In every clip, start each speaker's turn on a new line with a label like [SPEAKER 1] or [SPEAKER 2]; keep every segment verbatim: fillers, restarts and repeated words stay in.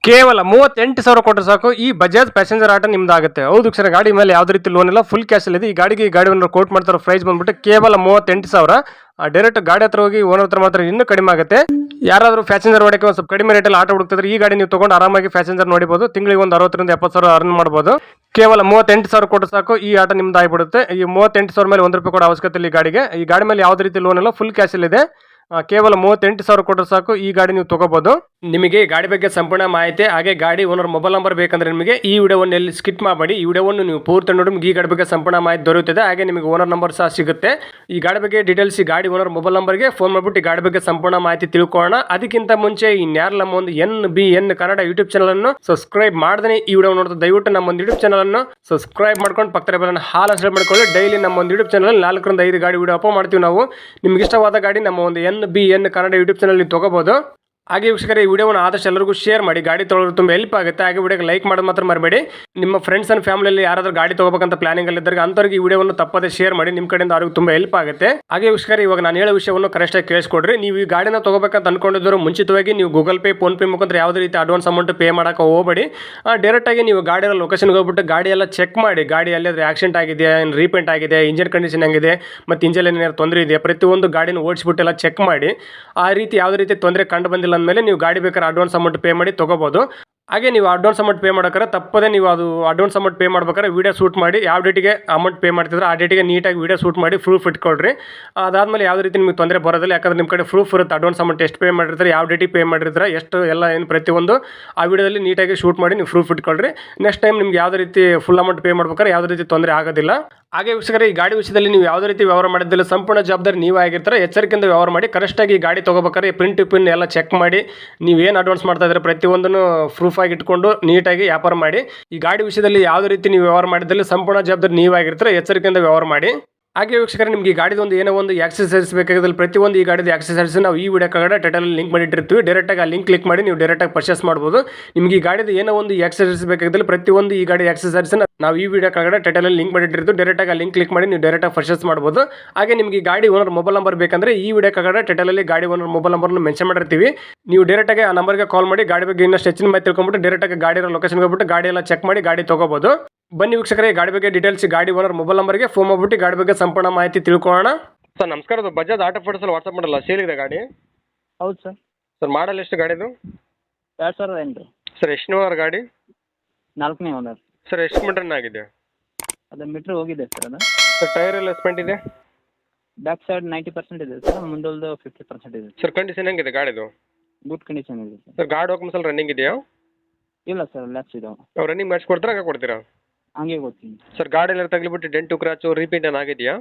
[SPEAKER 1] ಕೇವಲ ಮೂವತ್ತೆಂಟು ಸಾವಿರ ಕೊಟ್ಟರೆ ಸಾಕು ಈ ಬಜಾಜ್ ಪ್ಯಾಸೆಂಜರ್ ಆಟೋ ನಿಮ್ದಾಗುತ್ತೆ. ಹೌದು ಸರ್, ಗಾಡಿ ಮೇಲೆ ಯಾವುದೇ ರೀತಿ ಲೋನ್ ಇಲ್ಲ, ಫುಲ್ ಕ್ಯಾಶ್ ಇದೆ. ಈ ಗಾಡಿಗೆ ಈ ಗಾಡಿ ಓನರ್ ಕೋಟ್ ಮಾಡ್ತಾರೋ ಪ್ರೈಸ್ ಬಂದ್ಬಿಟ್ಟು ಕೇವಲ ಮೂವತ್ತೆಂಟು ಸಾವಿರ. ಡೈರೆಕ್ಟ್ ಗಾಡಿ ಹತ್ರ ಹೋಗಿ ಓನರ್ ಹತ್ರ ಮಾತ್ರ ಇನ್ನೂ ಕಡಿಮೆ ಆಗುತ್ತೆ. ಯಾರಾದರೂ ಪ್ಯಾಸೆಂಜರ್ ಹೊಡಕ್ಕೆ ಒಂದು ಸ್ವಲ್ಪ ಕಡಿಮೆ ರೇಟಲ್ಲಿ ಆಟೋ ಹುಡುಕ್ತಿದ್ರೆ ಈ ಗಾಡಿ ನೀವು ತಗೊಂಡು ಆರಾಮಾಗಿ ಪ್ಯಾಸೆಂಜರ್ ನೋಡಬಹುದು. ತಿಂಗಳಿಗೆ ಒಂದು ಅರವತ್ತರಿಂದ ಎಪ್ಪತ್ತು ಸಾವಿರ ಅರ್ನ್ ಮಾಡಬಹುದು. ಕೇವಲ ಮೂವತ್ತೆಂಟು ಸಾವಿರ ಕೊಟ್ಟು ಸಾಕು ಈ ಆಟೋ ನಿಮ್ದು ಆಗಿಬಿಡುತ್ತೆ. ಈ ಮೂವತ್ತೆಂಟು ಸಾವಿರ ಮೇಲೆ ಒಂದು ರೂಪಾಯಿ ಕೂಡ ಅವಶ್ಯಕತೆ ಇಲ್ಲ. ಈ ಗಾಡಿಗೆ ಈ ಗಾಡಿ ಮೇಲೆ ಯಾವುದೇ ರೀತಿ ಲೋನ್ ಇಲ್ಲ, ಫುಲ್ ಕ್ಯಾಶ್ ಇದೆ. ಕೇವಲ ಮೂವತ್ತೆಂಟು ಸಾವಿರ ಕೊಟ್ಟರೆ ಸಾಕು ಈ ಗಾಡಿ ನೀವು ತಗೋಬಹುದು. ನಿಮಗೆ ಗಾಡಿ ಬಗ್ಗೆ ಸಂಪೂರ್ಣ ಮಾಹಿತಿ ಹಾಗೆ ಗಾಡಿ ಓನರ್ ಮೊಬೈಲ್ ನಂಬರ್ ಬೇಕಂದ್ರೆ ನಿಮಗೆ ಈ ವಿಡಿಯೋವನ್ನು ಎಲ್ಲಿ ಸ್ಕಿಪ್ ಮಾಡಬೇಡಿ. ಈ ವಿಡಿಯೋವನ್ನು ನೀವು ಪೂರ್ತಿ ನೋಡಿ ನಿಮಗೆ ಈ ಗಾಡಿ ಬಗ್ಗೆ ಸಂಪೂರ್ಣ ಮಾಹಿತಿ ದೊರೆಯುತ್ತದೆ. ಹಾಗೆ ನಿಮಗೆ ಓನರ್ ನಂಬರ್ ಸಹ ಸಿಗುತ್ತೆ. ಈ ಗಾಡಿ ಬಗ್ಗೆ ಡೀಟೇಲ್ಸ್ ಈ ಗಾಡಿ ಓನರ್ ಮೊಬೈಲ್ ನಂಬರ್ಗೆ ಫೋನ್ ಮಾಡಿಬಿಟ್ಟು ಈ ಗಾಡಿ ಬಗ್ಗೆ ಸಂಪೂರ್ಣ ಮಾಹಿತಿ ತಿಳ್ಕೊಳ್ಳೋಣ. ಅದಕ್ಕಿಂತ ಮುಂಚೆ ಇನ್ಯಾರು ನಮ್ಮ ಒಂದು N B N Kannada YouTube channel ಅನ್ನು ಸಬ್ಸ್ಕ್ರೈಬ್ ಮಾಡದೇ ಈ ವಿಡಿಯೋ ನೋಡ್ತಾ ದಯವಿಟ್ಟು ನಮ್ಮ ಒಂದು ಯೂಟ್ಯೂಬ್ ಚಾನಲ್ ಅನ್ನು ಸಬ್ಸ್ಕ್ರೈಬ್ ಮಾಡ್ಕೊಂಡು ಪಕ್ಕದ ಬೆಲ್ಲನ್ನು ಹಾಲ್ ಅನ್ಸಲ್ ಮಾಡ್ಕೊಳ್ಳಿ. ಡೈಲಿ ನಮ್ಮ ಒಂದು ಯೂಟ್ಯೂಬ್ ಚಾನಲ್ ನಾಲ್ಕರಿಂದ ಐದು ಗಾಡಿ ವಿಡಿಯೋ ಅಪ್ಲೋಡ್ ಮಾಡ್ತೀವಿ ನಾವು. ನಿಮ್ಗೆ ಇಷ್ಟವಾದ ಗಾಡಿ ನಮ್ಮ ಒಂದು N B N Kannada YouTube channel ನೀವು ತಗೋಬಹುದು. ಹಾಗೆ ವೀಕ್ಷಕರೇ, ಈ ವಿಡಿಯೋವನ್ನು ಆದಷ್ಟು ಎಲ್ಲರಿಗೂ ಶೇರ್ ಮಾಡಿ. ಗಾಡಿ ತೊಗೊಳ್ಳೋದು ತುಂಬ ಹೆಲ್ಪ್ ಆಗುತ್ತೆ. ಹಾಗೆ ವಿಡಿಯೋಗೆ ಲೈಕ್ ಮಾಡೋದು ಮಾತ್ರ ಮರಬೇಡಿ. ನಿಮ್ಮ ಫ್ರೆಂಡ್ಸ್ ಅಂಡ್ ಫ್ಯಾಮಿಲಿಯಲ್ಲಿ ಯಾರಾದರೂ ಗಾಡಿ ತಗೋಬೇಕಂತ ಪ್ಲಾನಿಂಗ್ ಅಲ್ಲಿ ಇದ್ದರೆ ಅಂಥವ್ರಿಗೆ ಈ ವಿಡಿಯೋವನ್ನು ತಪ್ಪದೆ ಶೇರ್ ಮಾಡಿ. ನಿಮ್ಮ ಕಡೆಯಿಂದ ಅವ್ರಿಗೆ ತುಂಬ ಹೆಲ್ಪ್ ಆಗುತ್ತೆ. ಹಾಗೆ ವೀಕ್ಷಕರೇ, ಇವಾಗ ನಾನು ಹೇಳೋ ವಿಷಯವನ್ನು ಕರೆಕ್ಟಾಗಿ ಕೇಳಿಸ್ಕೊಡ್ರಿ. ನೀವು ಈ ಗಾಡಿನ ತಗೋಬೇಕಂತ ಅನ್ಕೊಂಡಿದ್ರು ಮುಂಚಿತವಾಗಿ ನೀವು ಗೂಗಲ್ ಪೇ, ಫೋನ್ ಪೇ ಮುಖಾಂತರ ಯಾವುದೇ ರೀತಿ ಅಡ್ವಾನ್ಸ್ ಅಮೌಂಟ್ ಪೇ ಮಾಡೋಕೆ ಹೋಗಬೇಡಿ. ಡೈರೆಕ್ಟಾಗಿ ನೀವು ಗಾಡಿಯ ಲೊಕೇಶನ್ಗೆ ಹೋಗ್ಬಿಟ್ಟು ಗಾಡಿ ಎಲ್ಲ ಚೆಕ್ ಮಾಡಿ. ಗಾಡಿ ಎಲ್ಲಿಯಾದ್ರೆ ಆಕ್ಸಿಡೆಂಟ್ ಆಗಿದೆ, ಏನು ರೀಪೇಂಟ್ ಆಗಿದೆ, ಇಂಜಿನ್ ಕಂಡೀಷನ್ ಹೆಂಗಿದೆ, ಮತ್ತು ಇಂಜಿನ್ ಏನಾದ್ರು ತೊಂದರೆ ಇದೆ, ಪ್ರತಿಯೊಂದು ಗಾಡಿನ ಓಡಿಸ್ಬಿಟ್ಟು ಎಲ್ಲ ಚೆಕ್ ಮಾಡಿ. ಆ ರೀತಿ ಯಾವುದೇ ರೀತಿ ತೊಂದರೆ ಕಂಡು ಬಂದಿಲ್ಲ ಅಂದಮೇಲೆ ನೀವು ಗಾಡಿ ಬೇಕಾದ್ರೆ ಅಡ್ವಾನ್ಸ್ ಅಮೌಂಟ್ ಪೇ ಮಾಡಿ ತಗೋಬಹುದು. ಹಾಗೆ ನೀವು ಅಡ್ವಾನ್ಸ್ ಅಮೌಂಟ್ ಪೇ ಮಾಡೋಕ್ರೆ ತಪ್ಪದೆ ನೀವು ಅದು ಅಡ್ವಾನ್ಸ್ ಅಮೌಂಟ್ ಪೇ ಮಾಡ್ಬೇಕಾದ್ರೆ ವೀಡಿಯೋ ಶೂಟ್ ಮಾಡಿ. ಯಾವ ಡೇಟಿಗೆ ಅಮೌಂಟ್ ಪೇ ಮಾಡ್ತಿದ್ರೆ ಆ ಡೇಟಿಗೆ ನೀಟಾಗಿ ವೀಡಿಯೋ ಶೂಟ್ ಮಾಡಿ ಪ್ರೂಫ್ ಇಟ್ಕೊಳ್ರಿ. ಅದಾದಮೇಲೆ ಯಾವುದೇ ರೀತಿ ನಿಮಗೆ ತೊಂದರೆ ಬರೋದಿಲ್ಲ. ಯಾಕಂದ್ರೆ ನಿಮ್ಮ ಕಡೆ ಪ್ರೂಫ್ ಇರುತ್ತೆ. ಅಡ್ವಾನ್ಸ್ ಅಮೌಂಟ್ ಎಷ್ಟು ಪೇ ಮಾಡಿರ್ತಾರೆ, ಯಾವ ಡೇಟಿಗೆ ಪೇ ಮಾಡಿರ್ತಾರೆ, ಎಷ್ಟು ಎಲ್ಲ ಏನು ಪ್ರತಿಯೊಂದು ಆ ವಿಡಿಯೋದಲ್ಲಿ ನೀಟಾಗಿ ಶೂಟ್ ಮಾಡಿ ನೀವು ಪ್ರೂಫ್ ಇಟ್ಕೊಳ್ರಿ. ನೆಕ್ಸ್ಟ್ ಟೈಮ್ ನಿಮ್ಗೆ ಯಾವುದೇ ರೀತಿ ಫುಲ್ ಅಮೌಂಟ್ ಪೇ ಮಾಡ್ಬೇಕಾದ್ರೆ ಯಾವುದೇ ರೀತಿ ತೊಂದರೆ ಆಗೋದಿಲ್ಲ. ಹಾಗೆ ವೀಕ್ಷಕರೇ, ಈ ಗಾಡಿ ವಿಷಯದಲ್ಲಿ ನೀವು ಯಾವುದೇ ರೀತಿ ವ್ಯವಹಾರ ಮಾಡಿದ್ದಿಲ್ಲ, ಸಂಪೂರ್ಣ ಜವಾಬ್ದಾರಿ ನೀವು ಆಗಿರ್ತಾರೆ. ಎಚ್ಚರಿಕೆಯಿಂದ ವ್ಯವಹಾರ ಮಾಡಿ. ಕರೆಕ್ಟಾಗಿ ಈ ಗಾಡಿ ತೊಗೋಬೇಕಾದ್ರೆ ಪ್ರಿಂಟ್ ಪಿನ್ ಎಲ್ಲ ಚೆಕ್ ಮಾಡಿ. ನೀವು ಏನು ಅಡ್ವಾನ್ಸ್ ಮಾಡ್ತಾ ಇದ್ರೆ ಪ್ರತಿಯೊಂದನ್ನು ಪ್ರೂಫ್ ಆಗಿ ಇಟ್ಕೊಂಡು ನೀಟಾಗಿ ವ್ಯಾಪಾರ ಮಾಡಿ. ಈ ಗಾಡಿ ವಿಷಯದಲ್ಲಿ ಯಾವುದೇ ರೀತಿ ನೀವು ವ್ಯವಹಾರ ಮಾಡಿದ್ದಲ್ಲಿ ಸಂಪೂರ್ಣ ಜವಾಬ್ದಾರಿ ನೀವು ಆಗಿರ್ತಾರೆ. ಎಚ್ಚರಿಕೆಯಿಂದ ವ್ಯವಹಾರ ಮಾಡಿ. ಹಾಗೆ ವೀಕ್ಷಕರೇ, ನಿಮಗೆ ಈ ಗಾಡಿದು ಒಂದು ಏನೋ ಒಂದು ಆಕ್ಸೆಸರೀಸ್ ಬೇಕಾಗಿದ್ದಲ್ಲಿ ಪ್ರತಿಯೊಂದು ಈ ಗಾಡಿದ ಆಕ್ಸೆಸರೀಸ್ ನಾವು ಈ ವಿಡಿಯೋ ಕೆಳಗಡೆ ಟೈಟಲಲ್ಲಿ ಲಿಂಕ್ ಮಾಡಿಟ್ಟಿರ್ತೀವಿ. ಡೈರೆಕ್ಟಾಗಿ ಆ ಲಿಂಕ್ ಕ್ಲಿಕ್ ಮಾಡಿ ನೀವು ಡೈರೆಕ್ಟಾಗಿ ಪರ್ಚೇಸ್ ಮಾಡ್ಬೋದು. ನಿಮಗೆ ಈ ಗಾಡಿದ ಏನೋ ಒಂದು ಆಕ್ಸೆಸರೀಸ್ ಬೇಕಾಗಿದ್ದಲ್ಲಿ ಪ್ರತಿಯೊಂದು ಈ ಗಾಡಿ ಆಕ್ಸೆಸರೀಸ್ ನಾವು ಈ ವಿಡಿಯೋ ಕೆಳಗಡೆ ಟೈಟಲಲ್ಲಿ ಲಿಂಕ್ ಮಾಡಿಟ್ಟಿರ್ತೀವಿ. ಡೈರೆಕ್ಟಾಗಿ ಆ ಲಿಂಕ್ ಕ್ಲಿಕ್ ಮಾಡಿ ನೀವು ಡೈರೆಕ್ಟಾಗಿ ಪರ್ಚೇಸ್ ಮಾಡ್ಬೋದು. ಹಾಗೆ ನಿಮಗೆ ಈ ಗಾಡಿ ಓನರ್ ಮೊಬೈಲ್ ನಂಬರ್ ಬೇಕಂದ್ರೆ ಈ ವಿಡಿಯೋ ಕೆಳಗಡೆ ಟೈಟಲಲ್ಲಿ ಗಾಡಿ ಓನರ್ ಮೊಬೈಲ್ ನಂಬರ್ನ ಮೆನ್ಷನ್ ಮಾಡಿರ್ತೀವಿ. ನೀವು ಡೈರೆಕ್ಟಾಗಿ ಆ ನಂಬರ್ಗೆ ಕಾಲ್ ಮಾಡಿ ಗಾಡಿ ಬಗ್ಗೆ ಇನ್ನಷ್ಟು ಹೆಚ್ಚಿನ ಮಾಹಿತಿ ತಿಳ್ಕೊಂಡ್ಬಿಟ್ಟು ಡೈರೆಕ್ಟಾಗಿ ಗಾಡಿ ಲೊಕೇಶನ್ಗೆ ಹೋಗ್ಬಿಟ್ಟು ಗಾಡಿ ಎಲ್ಲ ಚೆಕ್ ಮಾಡಿ ಗಾಡಿ ತಗೋಬಹುದು. ಬನ್ನಿ ವೀಕ್ಷಕರೇ, ಗಾಡಿ ಬಗ್ಗೆ ಡೀಟೇಲ್ಸ್ ಗಾಡಿ ಓನರ್ ಮೊಬೈಲ್ ನಂಬರ್ಗೆ ಫೋನ್ ಮಾಡ್ಬಿಟ್ಟು ಗಾಡಿ ಬಗ್ಗೆ ಸಂಪೂರ್ಣ ಮಾಹಿತಿ ತಿಳ್ಕೊಳ್ಳೋಣ. ಸರ್ ನಮಸ್ಕಾರ, ಅದು ಬಜಾಜ್ ಆಟೋ ಫೋಟೋಸಲ್ಲಿ ವಾಟ್ಸಪ್ ಮಾಡಲ್ಲ, ಸೇಲ್ ಇದೆ ಗಾಡಿ?
[SPEAKER 2] ಹೌದು ಸರ್.
[SPEAKER 1] ಸರ್ ಮಾಡಲ್ ಎಷ್ಟು ಗಾಡಿದು?
[SPEAKER 2] ಎರಡು ಸಾವಿರದ ಎಂಟು.
[SPEAKER 1] ಸರ್ ಎಷ್ಟು ಓನರ್ ಗಾಡಿ?
[SPEAKER 2] ನಾಲ್ಕನೇ ಓನರ್.
[SPEAKER 1] ಸರ್ ಎಷ್ಟು ಮೀಟರ್ ಆಗಿದೆ?
[SPEAKER 2] ಅದು ಮೀಟ್ರ್ ಹೋಗಿದೆ ಸರ್. ಅದು
[SPEAKER 1] ಸರ್ ಟೈರ್ ಎಲ್ಲ ಸ್ಪೆಂಟ್ ಇದೆ?
[SPEAKER 2] ಬ್ಯಾಕ್ ಸೈಡ್ ನೈಂಟಿ ಪರ್ಸೆಂಟ್ ಇದೆ ಸರ್, ಮುಂದೊಂದು ಫಿಫ್ಟಿ ಪರ್ಸೆಂಟ್ ಇದೆ
[SPEAKER 1] ಸರ್. ಕಂಡೀಷನ್ ಹೆಂಗಿದೆ ಗಾಡಿದು?
[SPEAKER 2] ಗುಡ್ ಕಂಡೀಷನ್ ಇದೆ ಸರ್.
[SPEAKER 1] ಸರ್ ಗಾಡಿ ಡಾಕ್ಯುಮೆಂಟ್ಸ್ ಎಲ್ಲ ರನ್ನಿಂಗ್ ಇದೆಯಾ?
[SPEAKER 2] ಇಲ್ಲ ಸರ್, ಲ್ಯಾಪ್ಸ್ ಇದಾವೆ.
[SPEAKER 1] ನಾವು ರನ್ನಿಂಗ್ ಮಾಡಿಸ್ಕೊಡ್ತೀರಾ ಹಾಗೆ ಕೊಡ್ತೀರಾ?
[SPEAKER 2] ಹಂಗೆ ಕೊಡ್ತೀನಿ
[SPEAKER 1] ಸರ್. ಗಾಡಿ ಎಲ್ಲ ತಗಲಿಬಿಟ್ಟು ಡೆಂಟು ಕ್ರಾಚು ರೀಪೇಂಟ್ ಏನು ಆಗಿದೆಯಾ?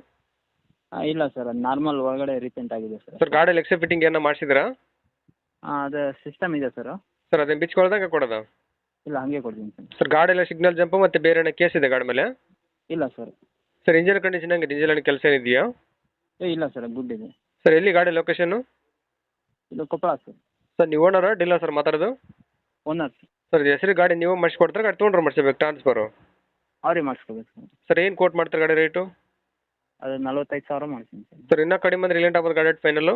[SPEAKER 2] ಇಲ್ಲ ಸರ್, ಅದು ನಾರ್ಮಲ್ ಒಳಗಡೆ ರೀಪೇಂಟ್ ಆಗಿದೆ ಸರ್.
[SPEAKER 1] ಸರ್ ಗಾಡಿಯಲ್ಲಿ ಎಕ್ಸೆ ಫಿಟ್ಟಿಂಗ್ ಏನೋ ಮಾಡಿಸಿದ್ರಾ?
[SPEAKER 2] ಹಾಂ, ಅದು ಸಿಸ್ಟಮ್ ಇದೆ ಸರ್.
[SPEAKER 1] ಸರ್ ಅದೇನು ಬಿಚ್ಕೊಳ್ದಾಗ ಕೊಡೋದಾ?
[SPEAKER 2] ಇಲ್ಲ, ಹಂಗೆ ಕೊಡ್ತೀನಿ ಸರ್.
[SPEAKER 1] ಸರ್ ಗಾಡಿ ಎಲ್ಲ ಸಿಗ್ನಲ್ ಜಂಪು ಮತ್ತು ಬೇರೆ ಏನೋ ಕೇಸ್ ಇದೆ ಗಾಡಿ ಮೇಲೆ?
[SPEAKER 2] ಇಲ್ಲ ಸರ್.
[SPEAKER 1] ಸರ್ ಇಂಜಿನ್ ಕಂಡೀಷನ್ ಹೆಂಗಿದೆ? ಇಂಜಿನ್ ಏನು ಕೆಲಸ ಏನಿದೆಯಾ?
[SPEAKER 2] ಏ ಇಲ್ಲ ಸರ್, ಗುಡ್ ಇದೆ.
[SPEAKER 1] ಸರ್ ಎಲ್ಲಿ ಗಾಡಿ ಲೊಕೇಶನ್ನು?
[SPEAKER 2] ಇದು ಕೊಪ್ಪಳ ಸರ್.
[SPEAKER 1] ಸರ್ ನೀವು ಓನರಾ ಡೀಲರ್ ಸರ್ ಮಾತಾಡೋದು?
[SPEAKER 2] Owner sir.
[SPEAKER 1] ಸರ್ ಹೆಸರು ಗಾಡಿ ನೀವು ಮಾಡಿಸ್ಕೊಡ್ತಾರೆ, ಗಾಡಿ ತೊಗೊಂಡ್ರೆ ಮಾಡಿಸ್ಬೇಕು ಟ್ರಾನ್ಸ್ಫರು?
[SPEAKER 2] ಅವರೇ ಮಾಡಿಸ್ಕೋಬೇಕು ಸರ್.
[SPEAKER 1] ಸರ್ ಏನು ಕೋಟ್ ಮಾಡ್ತಾರೆ ಗಾಡಿ ರೇಟು?
[SPEAKER 2] ಅದು ನಲ್ವತ್ತೈದು ಸಾವಿರ ಮಾಡ್ತೀನಿ ಸರ್.
[SPEAKER 1] ಸರ್ ಇನ್ನೂ ಕಡಿಮೆ ಅಂದರೆ ರಿಲೆಂಟ್ ಆಗ್ಬೋದು ಗಾಡಿ ಫೈನಲ್ಲು?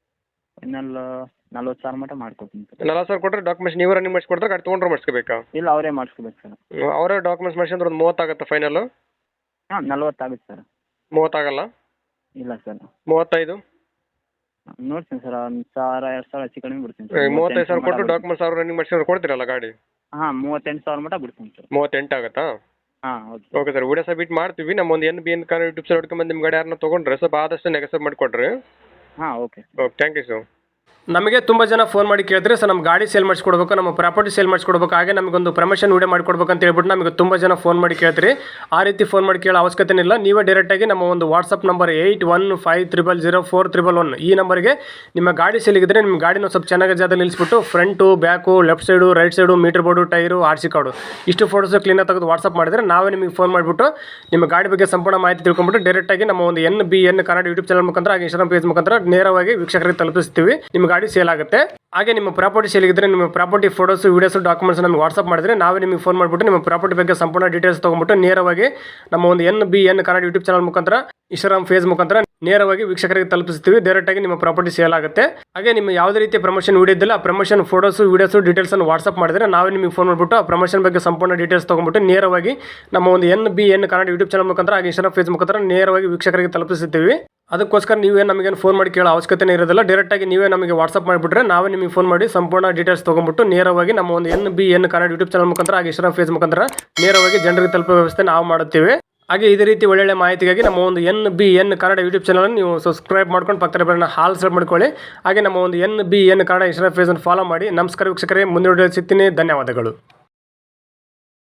[SPEAKER 2] ಫೈನಲ್ ನಲ್ವತ್ತು ಸಾವಿರ ಮಟ್ಟ ಮಾಡ್ಕೊತೀನಿ ಸರ್.
[SPEAKER 1] ನಲ್ವತ್ತು ಸಾವಿರ ಕೊಟ್ಟರೆ ಡಾಕ್ಯುಮೆಂಟ್ಸ್ ನೀವು ರನ್ನಿಂಗ್ ಮಾಡಿಸ್ಕೊಡ್ತಾರೆ, ಗಾಡಿ ತೊಗೊಂಡ್ರೆ ಮಾಡಿಸ್ಕೋಬೇಕಾ?
[SPEAKER 2] ಇಲ್ಲ, ಅವರೇ ಮಾಡಿಸ್ಕೋಬೇಕು ಸರ್.
[SPEAKER 1] ಅವರೇ ಡಾಕ್ಯುಮೆಂಟ್ಸ್ ಮಾಡಿಸಿದ್ರೆ ಒಂದು ಮೂವತ್ತಾಗುತ್ತೆ ಫೈನಲ್ಲು?
[SPEAKER 2] ಹಾಂ, ನಲ್ವತ್ತಾಗುತ್ತೆ ಸರ್.
[SPEAKER 1] ಮೂವತ್ತಾಗಲ್ಲ?
[SPEAKER 2] ಇಲ್ಲ ಸರ್.
[SPEAKER 1] ಮೂವತ್ತೈದು
[SPEAKER 2] ನೋಡ್ತೀನಿ ಸರ್, ಒಂದು ಸಾವಿರ ಎರಡು ಸಾವಿರ ಹೆಚ್ಚು ಕಡಿಮೆ ಬಿಡ್ತೀನಿ ಸರ್.
[SPEAKER 1] ಮೂವತ್ತೈದು ಸಾವಿರ ಕೊಟ್ಟು ಡಾಕ್ಯುಮೆಂಟ್ಸ್ ಅವ್ರು ರನ್ನಿಂಗ್ ಮಾಡಿಸಿದ್ರೆ ಕೊಡ್ತೀರಲ್ಲ ಗಾಡಿ?
[SPEAKER 2] ಹಾಂ, ಮೂವತ್ತೆಂಟು ಸಾವಿರ ಮಟ್ಟ ಬಿಡ್ತೀನಿ ಸರ್.
[SPEAKER 1] ಮೂವತ್ತೆಂಟು ಆಗುತ್ತಾ?
[SPEAKER 2] ಹಾಂ, ಹೌದು.
[SPEAKER 1] ಓಕೆ ಸರ್, ವಿಡಿಯೋ ಸಬ್ಮಿಟ್ ಮಾಡ್ತೀವಿ. ನಮ್ಮ ಒಂದು N B N car YouTube side ಹೊಡ್ಕೊಂಡ್ಬಂದು ನಿಮ್ಮ ಗಾಡಿ ಯಾರನ್ನ ತೊಗೊಂಡ್ರೆ ಸ್ವಲ್ಪ ಆದಷ್ಟು ನೆಗೆಸಬ್ ಮಾಡಿಕೊಡ್ರಿ.
[SPEAKER 2] ಹಾಂ, okay
[SPEAKER 1] okay, thank you sir. ನಮಗೆ ತುಂಬ ಜನ ಫೋನ್ ಮಾಡಿ ಕೇಳಿದ್ರೆ ಸರ್ ನಮ್ಮ ಗಾಡಿ ಸೇಲ್ ಮಾಡಿಸ್ಕೊಡ್ಬೇಕು, ನಮ್ಮ ಪ್ರಾಪರ್ಟಿ ಸೇಲ್ ಮಾಡಿಸ್ಕೊಡ್ಬೇಕು, ಹಾಗೆ ನಮಗೊಂದು ಪ್ರಮೋಷನ್ ವಿಡಿಯೋ ಮಾಡಿಕೊಡ್ಬೇಕು ಅಂತ ಹೇಳ್ಬಿಟ್ಟು ನಮಗೆ ತುಂಬ ಜನ ಫೋನ್ ಮಾಡಿ ಕೇಳ್ತೀರಿ. ಆ ರೀತಿ ಫೋನ್ ಮಾಡಿ ಕೇಳೋ ಅವಶ್ಯಕತೆ ಇಲ್ಲ. ನೀವೇ ಡೈರೆಕ್ಟಾಗಿ ನಮ್ಮ ಒಂದು WhatsApp number eight one five triple zero four triple one ಈ ನಂಬರ್ಗೆ ನಿಮ್ಮ ಗಾಡಿ ಸೇಲಿಗಿದ್ರೆ ನಿಮ್ಮ ಗಾಡಿನ ಸ್ವಲ್ಪ ಚೆನ್ನಾಗಿ ಜಾಗದಲ್ಲಿ ನಿಲ್ಲಿಸ್ಬಿಟ್ಟು front, back, left side, right side, meter board, tyre, R C card ಇಷ್ಟು ಫೋಟೋಸು ಕ್ಲೀನಾಗಿ ತೆಗೆದು ವಾಟ್ಸಪ್ ಮಾಡಿದರೆ ನಾವೇ ನಿಮಗೆ ಫೋನ್ ಮಾಡಿಬಿಟ್ಟು ನಿಮ್ಮ ಗಾಡಿ ಬಗ್ಗೆ ಸಂಪೂರ್ಣ ಮಾಹಿತಿ ತಿಳ್ಕೊಂಡ್ಬಿಟ್ಟು ಡೈರೆಕ್ಟಾಗಿ ನಮ್ಮ ಒಂದು N B N Kannada YouTube channel ಮುಖಾಂತರ ಹಾಗೆ ಇನ್ಸ್ಟಾಗ್ರಾಮ್ ಪೇಜ್ ಮುಖಾಂತರ ನೇರವಾಗಿ ವೀಕ್ಷಕರಿಗೆ ತಲುಪಿಸ್ತೀವಿ. ನಿಮ್ಮ ಗಾಡಿ ಸೇಲ್ ಆಗುತ್ತೆ. ಹಾಗೆ ನಿಮ್ಮ ಪ್ರಾಪರ್ಟಿ ಸೇಲಿಗಿದ್ರೆ ನಿಮ್ಮ ಪ್ರಾಪರ್ಟಿ ಫೋಟೋಸ್, ವೀಡಿಯೋಸ್, ಡಾಕ್ಯುಮೆಂಟ್ಸ್ ನಮಗೆ ವಾಟ್ಸಪ್ ಮಾಡಿದ್ರೆ ನಾವೇ ನಿಮಗೆ ಫೋನ್ ಮಾಡಿಬಿಟ್ಟು ನಿಮ್ಮ ಪ್ರಾಪರ್ಟಿ ಬಗ್ಗೆ ಸಂಪೂರ್ಣ ಡೀಟೇಲ್ಸ್ ತೊಗೊಂಡ್ಬಿಟ್ಟು ನೇರವಾಗಿ ನಮ್ಮ ಒಂದು N B N Kannada YouTube channel ಮುಖಾಂತರ ಇನ್ಸ್ಟಾಗ್ರಾಮ್ ಫೇಸ್ ಮುಖಾಂತರ ನೇರವಾಗಿ ವೀಕ್ಷಕರಿಗೆ ತಲುಪಿಸ್ತೀವಿ. ಡೈರೆಕ್ಟಾಗಿ ನಿಮ್ಮ ಪ್ರಾಪರ್ಟಿ ಸೇಲ್ ಆಗುತ್ತೆ. ಹಾಗೆ ನಿಮ್ಮ ಯಾವುದೇ ರೀತಿಯ ಪ್ರಮೋಷನ್ ವಿಡಿಯೋ ಇದ್ದಿಲ್ಲ, ಆ ಪ್ರಮೋಷನ್ ಫೋಟೋಸು ವೀಡಿಯೋಸು ಡೀಟೇಲ್ಸನ್ನು ವಾಟ್ಸಪ್ ಮಾಡಿದ್ರೆ ನಾವೇ ನಿಮಗೆ ಫೋನ್ ಮಾಡಿಬಿಟ್ಟು ಆ ಪ್ರಮೋಷನ್ ಬಗ್ಗೆ ಸಂಪೂರ್ಣ ಡೀಟೇಲ್ಸ್ ತೊಗೊಂಡ್ಬಿಟ್ಟು ನೇರವಾಗಿ ನಮ್ಮ ಒಂದು N B N Kannada YouTube channel ಮುಖಾಂತರ ಹಾಗೆ ಇನ್ಸ್ಟಾಗ್ರಾಮ್ ಫೇಸ್ ಮುಖಾಂತರ ನೇರವಾಗಿ ವೀಕ್ಷಕರಿಗೆ ತಲುಪಿಸುತ್ತೀವಿ. ಅದಕ್ಕೋಸ್ಕರ ನೀವೇ ನಮಗೆ ಫೋನ್ ಮಾಡಿ ಕೇಳೋ ಅವಶ್ಯಕತೆ ಇರೋದಿಲ್ಲ. ಡೈರೆಕ್ಟಾಗಿ ನೀವೇ ನಮಗೆ ವಾಟ್ಸಪ್ ಮಾಡಿಬಿಟ್ರೆ ನಾವೇ ನಿಮಗೆ ಫೋನ್ ಮಾಡಿ ಸಂಪೂರ್ಣ ಡೀಟೇಲ್ಸ್ ತೊಗೊಂಡ್ಬಿಟ್ಟು ನೇರವಾಗಿ ನಮ್ಮ ಒಂದು N B N Kannada YouTube channel ಮುಖಾಂತರ ಹಾಗೆ ಇನ್ಸ್ಟಾಗ್ರಾಮ್ ಫೇಸ್ ಮುಖಾಂತರ ನೇರವಾಗಿ ಜನರಿಗೆ ತಲುಪೋ ವ್ಯವಸ್ಥೆ ನಾವು ಮಾಡುತ್ತೇವೆ. ಹಾಗೆ ಇದೇ ರೀತಿ ಒಳ್ಳೊಳ್ಳೆ ಮಾಹಿತಿಗಾಗಿ ನಮ್ಮ ಒಂದು N B N Kannada YouTube channel ನೀವು ಸಬ್ಸ್ಕ್ರೈಬ್ ಮಾಡ್ಕೊಂಡು ಪಕ್ಕದ ಬೆಲ್ಲನ್ನ ಹಾಲ್ ಸೆಲೆಕ್ಟ್ ಮಾಡ್ಕೊಳ್ಳಿ. ಹಾಗೆ ನಮ್ಮ ಒಂದು N B N Kannada Instagram ಫೇಸನ್ನು ಫಾಲೋ ಮಾಡಿ. ನಮಸ್ಕಾರ ವೀಕ್ಷಕರೇ, ಮುಂದಿನ ವಿಡಿಯೋ ಸಿಗ್ತೀನಿ. ಧನ್ಯವಾದಗಳು.